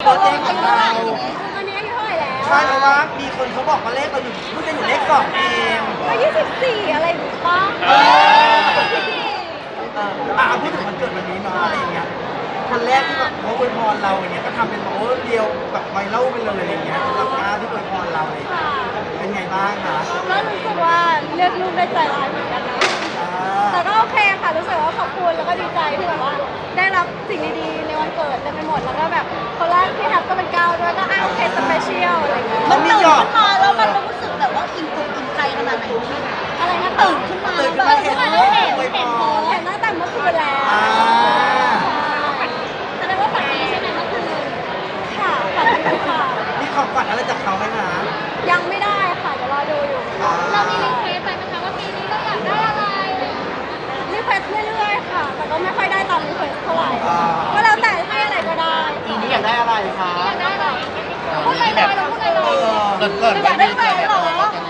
บิร์ดเดย์ของเราอันนี้อายุเท่าไหร่แล้วใช่เพราะว่ามีคนเขาบอกว่าเลขเราอยู่เพิ่งจะอยู่เลขสองเองก็24อะไรอย่างงี้ป่ะพูดถึงวันเกิดวันนี้เนาะอะไรอย่างเงี้ยคนแรกที่แบบเขาอวยพรเราอย่างเงี้ยก็ทำเป็นแบบเดียวแบบไวรัลไปเลยอะไรอย่างเงี้ยสำหรับการที่อวยพรเราเลยเป็นไงบ้างคะก็รู้สึกว่าเลือกลูกได้ใจร้ายเหมือนกันนะแต่ก็โอเคค่ะรู้สึกว่าขอบคุณแล้วก็ดีใจที่แบบว่าได้รับสิ่งดีๆในวันเกิดเต็มไปหมดแล้วก็แบบคนแรกที่แฮปก็เป็นก้าวด้วยก็โอเคสเปเชียลอะไรเงี้ยมันมีหยอดมาแล้วมันรู้สึกแบบว่าอิ่มอกอิ่มใจขนาดไหนพี่อะไรนะตื่นขึ้นมาตื่นขึ้นแบมาบเห็นเห็นตั้งแต่เมื่อคืนแล้วแสดงว่าฝันดีใช่ไหมเมื่อคืนค่ะฝันดีค่ะมีของขวัญอะไรจากเขาไหมคะยังไม่ได้ค่ะเดี๋ยวรอดูอยู่เรามีรีเควสไปไหมคะว่าปีนี้เราอยากได้อะไรรีเควสเรื่อยๆค่ะ แต่ก็ไม่ค่อยได้ตามรีเควสเท่าไหร่ก็แล้วแต่ให้อะไรก็ได้ปีนี้อยากได้อะไรคะอยากได้อะไรพูดลอยๆเราพูดลอยเกิดๆอยากได้แหวนเหรอ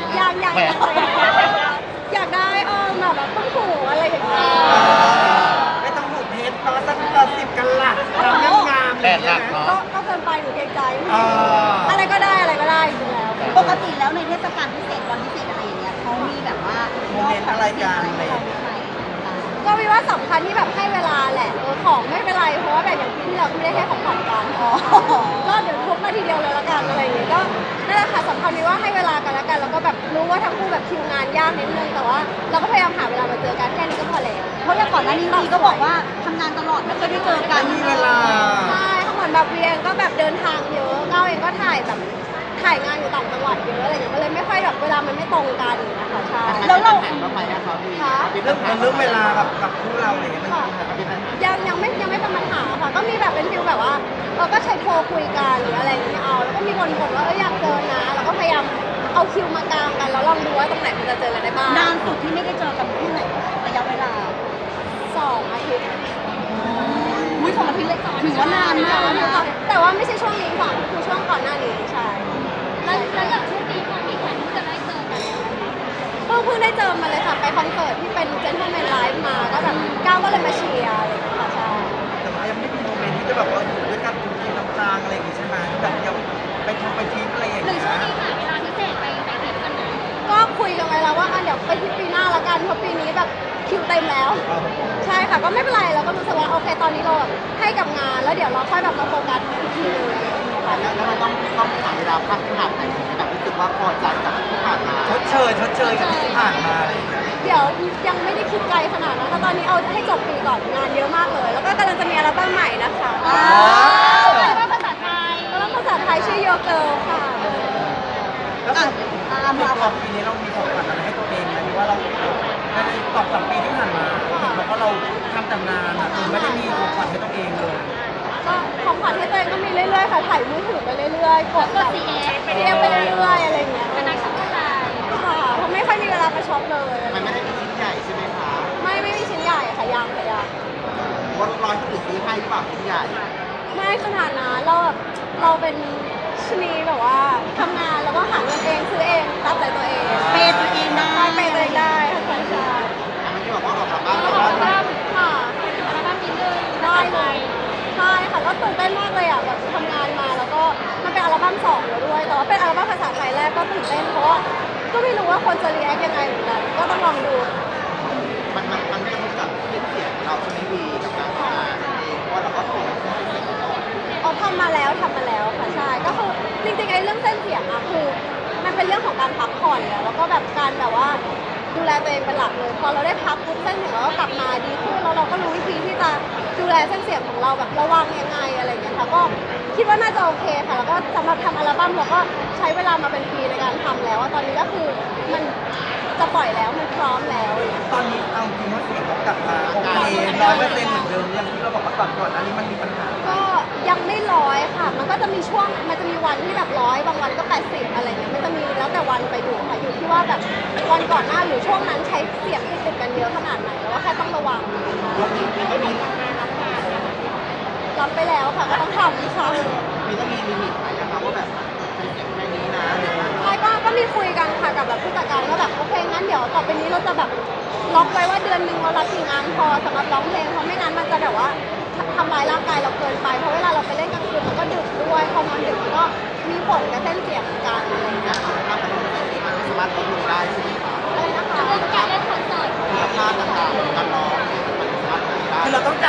อยากได้แบบต้องหูอะไรอย่างเงี้ยไม่ต้องหูเพชรตอนสัก10 กันลัดเรางามๆเลยใช่ไหมก็เกินไปหนูเกรงใจอะไรก็ได้อะไรก็ได้จริงแล้วปกติแล้วในเทศกาลพิเศษวันพิเศษอะไรอย่างเงี้ยเขามีแบบว่าโมเมนต์อะไรกันอะไรอย่างเงี้ยก็วิว่าสำคัญที่แบบให้เวลาแหละของไม่เป็นไรเพราะว่าแบบอย่างปีที่เราไม่ได้ให้ของขวัญกันก็เดี๋ยวทุบมาทีเดียวเลยละกันอะไรอย่างเงี้ยก็นั่นแหละค่ะสำคัญที่ว่าให้เวลากันแล้วกันแล้วก็แบบรู้ว่าทั้งคู่แบบคิวงานยากนิดนึงแต่ว่าเราก็พยายามหาเวลามาเจอกันแค่นี้ก็พอแล้วเพราะอย่างก่อนหน้านี้วีก็บอกว่าทำงานตลอดไม่เคยได้เจอกันไม่มีเวลาใช่เหมือนแบบวีเองก็แบบเดินทางเยอะก้าวเองก็ถ่ายแบบถ่ายงานอยู่ต่างจังหวัดเยอะอะไรอย่างเงี้ยมันเลยไม่ค่อยแบบเวลามันไม่ตรงกันนะคะใช่แล้วเราบ้างไหมอะครับพี่ค่ะเรื่องเวลากับคู่เราอะไรอย่างเงี้ยมันมีปัญหาเป็นปัญหายังไม่เป็นปัญหาค่ะก็มีแบบเป็นฟิลแบบว่าเราก็ใช้โทรคุยกันหรืออะไรอย่างเงี้ยเอาแล้วก็มีคนบ่นว่าอยากเจอนะเราก็พยายามเอาคิวมากางกันแล้วลองดูว่าตรงไหนมันจะเจอกันได้บ้างนานสุดที่ไม่ได้เจอกันที่ไหนระยะเวลา 2 อาทิตย์อุ้ย2 อาทิตย์เลยถือว่านานมากนะแต่ว่าไม่ใช่ช่วงนี้ค่ะคือช่วงก่อนหน้านี้ใช่แล้วอย่างช่วงนี้พอมีแผนที่จะได้เจอกันเพิ่งได้เจอมาเลยค่ะไปคอนเสิร์ตที่เป็น Gentleman Live มาก็แบบก้าวก็เลยมาเชียร์อะไรอย่างเงี้ยค่ะใช่แต่ว่ายังไม่มีโมเมนต์ที่จะแบบว่าอยู่ด้วยกันกินน้ำตาลอะไรอย่างงี้ใช่ไหมแบบยังไปทริปอะไรอย่างหรือเงี้ช่วงยนี้หาเวลาพิเศษไปทริปกันไหมก็คุยกันไว้แล้วว่าเดี๋ยวไปที่ปีหน้าละกันเพราะปีนี้แบบคิวเต็มแล้ว ใช่ค่ะก็ไม่เป็นไรเราก็รู้สึกว่าโอเคตอนนี้เราแบบให้กับงานแล้วเดี๋ยวเราค่อยแบบมาโฟกัสอีกทีนึงแล้วมันต้องหาเวลาพักขนาดไหนที่แบบรู้สึกว่าพอใจกับที่ผ่านมาชดเชยกับที่ผ่านมาอะไรอย่างเงี้ยเดี๋ยวยังไม่ได้คิดไกลขนาดนั้นแต่ตอนนี้เอาให้จบปีก่อนงานเยอะมากเลย แล้วก็กำลังจะมีอัลบั้มใหม่นะคะแต่ว่าภาษาไทยอัลบั้มภาษาไทยชื่อ Your Girl ค่ะแล้วในตัวปีนี้เรามีของขวัญอะไรให้ตัวเองไหมหรือว่าเราใน2-3 ปีที่ผ่านมาเราก็เราทำแต่งานอ่ะไม่ได้มีของขวัญให้ตัวเองเลยก็ของขวัญให้ตัวเองก็มีเรื่อยๆค่ะถ่ายมือถือไปเรื่อยๆกดแบบ CF ไปเรื่อยๆอะไรอย่างเงี้ยเป็นนักช็อปออนไลน์ค่ะเพราะไม่ค่อยมีเวลาไปช็อปเลยมันไม่ได้มีชิ้นใหญ่ใช่ไหมคะไม่มีชิ้นใหญ่ค่ะยังค่ะยังว่าร้อยที่อื่นซื้อให้หรือเปล่าชิ้นใหญ่ไม่ขนาดนั้นเราเป็นชนีแบบว่าทำงานแล้วก็หาเงินเองซื้อเองตามใจตัวเองเปย์ตัวเองได้ใช่เปย์ตัวเองได้ค่ะใช่ใช่อันนี้บอกว่าออกจากบ้านอัลบั้มค่ะอัลบั้มนิดนึงได้เลยใช่ค่ะก็ตื่นเต้นมากเลยอ่ะแบบทำงานมาแล้วก็มันเป็นอัลบั้ม2แล้วด้วยแต่ว่าเป็นอัลบั้มภาษาไทยแรกก็ตื่นเต้นเพราะว่าก็ไม่รู้ว่าคนจะรีแอคยังไงเหมือนกันก็ต้องลองดูมันกระทบกับเสียงเราใช่ไหมวีกับการทำงานเองเพราะว่าเราก็ถูกเสียงมาก่อนเอาทำมาแล้วค่ะใช่ก็คือจริงๆไอ้เรื่องเส้นเสียงอะคือมันเป็นเรื่องของการพักผ่อนแล้วก็แบบการแบบว่าดูแลตัวเองเป็นหลักเลยพอเราได้พักปุ๊บเส้นเสียงเราก็กลับมาดีขึ้นแล้วเราก็รู้วิธีที่จะดูแลเส้นเสียงของเราแบบระวังยังไงอะไรอย่างเงี้ยค่ะก็คิดว่าน่าจะโอเคค่ะแล้วก็สำหรับทำอัลบั้มเราก็ใช้เวลามาเป็นปีในการทำแล้วตอนนี้ก็คือมันจะปล่อยแล้วมันพร้อมแล้วตอนนี้เอาจริงว่าเสียงเรากลับมาโอเค100%เหมือนเดิมอย่างที่เราบอกว่าก่อนอันนี้มันมีปัญหาก็ยังไม่100ค่ะ มันก็จะมีช่วง มันจะมีวันที่แบบ100บางวันก็80อะไรเงี้ยมันจะมีแล้วแต่วันไปอยู่ค่ะ อยู่ที่ว่าแบบวันก่อนหน้าหรือช่วงนั้นใช้เสียงติดกันเยอะขนาดไหนแล้วว่าแค่ต้องระวังรับไปแล้วค่ะก็ต้องทำค่ะมีต้องมีลิมิตไหมนะครับว่าแบบใช้เสียงแค่นี้นะหรือว่าใช่ก็มีคุยกันค่ะกับแบบผู้จัดการว่าแบบโอเคงั้นเดี๋ยวต่อไปนี้เราจะแบบล็อกไว้ว่าเดือนหนึ่งเรารับกี่งานพอสำหรับร้องเพลงเพราะไม่งั้นมันจะแบบว่าทำร้ายร่างกายเราเกินไปเพราะเวลาเราไปเล่นกลางคืนมันก็ดึกด้วยพอ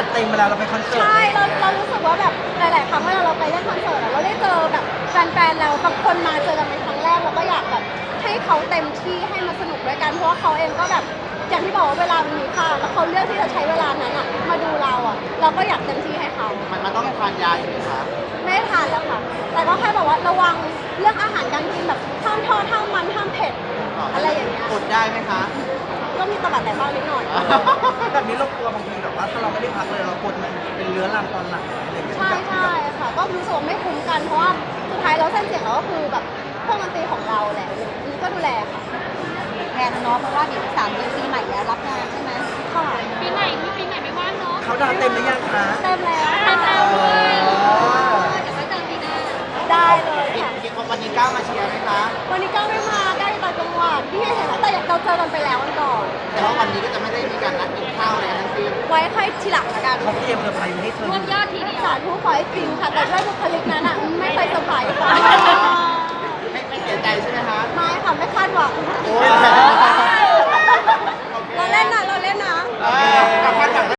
เต็มเวลาเราไปคอนเสิร์ตใช่เรารู้สึกว่าแบบหลาย ๆ ครั้งเวลาเราไปเล่นคอนเสิร์ตอะเราได้เจอแบบแฟน ๆ เราบางคนมาเจอกันเป็นครั้งแรกเราก็อยากแบบให้เขาเต็มที่ให้มาสนุกด้วยกันเพราะว่าเขาเองก็แบบอย่างที่บอกว่าเวลามันมีค่าแล้วเขาเลือกที่จะใช้เวลานั้นอะมาดูเราอะเราก็อยากเต็มที่ให้เขามันต้องทานยาอยู่ไหมคะไม่ได้ทานแล้วค่ะ แต่ก็แค่บอกว่าระวังเรื่องอาหารการกินแบบห้ามทอดห้ามมันห้ามเผ็ดอะไรอย่างเงี้ยอดได้ไหมคะก็มีตะบัดแต่บ้างนิดหน่อยแบบนี้เรากลัวบางทีแบบว่าถ้าเราไม่ได้พักเลยเรากดมันเป็นเรื้อรังตอนหลังอะไรอย่างเงี้ยใช่ใช่ค่ะ ก็รู้สึกว่าไม่คุ้มกันเพราะว่าสุดท้ายแล้วเส้นเสียงเราก็คือแบบเครื่องดนตรีของเราแหละอันนี้ก็ดูแลค่ะแทนเนาะเพราะว่าเดี๋ยว3 เดือนปีใหม่แล้วรับงานใช่ไหมค่ะปีไหนไม่ว่างเนาะเขาดาวน์เต็มหรือยังคะเต็มแล้วเต็มแล้วเออเดี๋ยวไว้เจอปีหน้าได้เลยค่ะวันนี้ก้าวมาเชียร์ไหมคะวันนี้ก้าวไม่มาได้ต่างจังหวัดที่เห็นแล้วแต่เราเจอกันไปแล้ววันก่อนแต่ว่าวันนี้ก็จะไม่ได้มีการนัดกินข้าวอะไรทั้งสิ้นไว้ค่อยทีหลังละกันเขาเตรียมเซอร์ไพรส์มาให้เธอรวมยอดทีเดียวสาธุขอให้จริงค่ะ แต่ด้วยบุคลิกนั้นอ่ะไม่เคยเซอร์ไพรส์ค่ะไม่เสียใจใช่ไหมคะไม่ค่ะไม่คาดหวังโอ้ยเราเล่นนะเราเล่นนะเออ